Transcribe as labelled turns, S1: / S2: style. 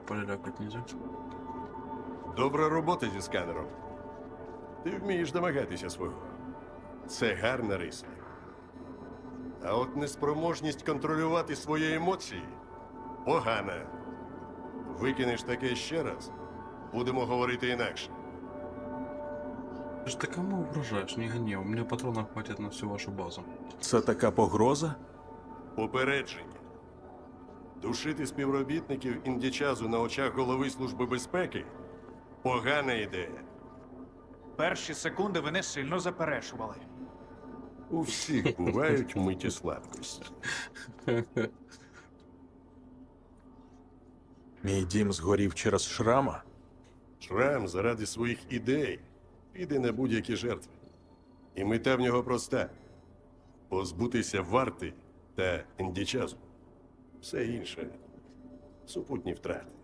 S1: полялякать нельзя.
S2: Добра робота зі сканером. Ти вмієш домагатися свого. Це гарна риса. А от неспроможність контролювати свої емоції погана. Викинеш таке ще раз, будемо говорити інакше.
S1: Ты ж ты кому угрожаешь? Не гони, у меня патронов хватит на всю вашу базу.
S3: Це така погроза?
S2: Попередження. Душити співробітників індічазу на очах голови Служби безпеки – погана ідея.
S4: Перші секунди вони сильно заперечували.
S2: У всіх бувають миті слабкості.
S3: Мій дім згорів через шрама?
S2: Шрам заради своїх ідей піде на будь-які жертви. І мета в нього проста – позбутися варти та індічазу. Все інше – супутні втрати.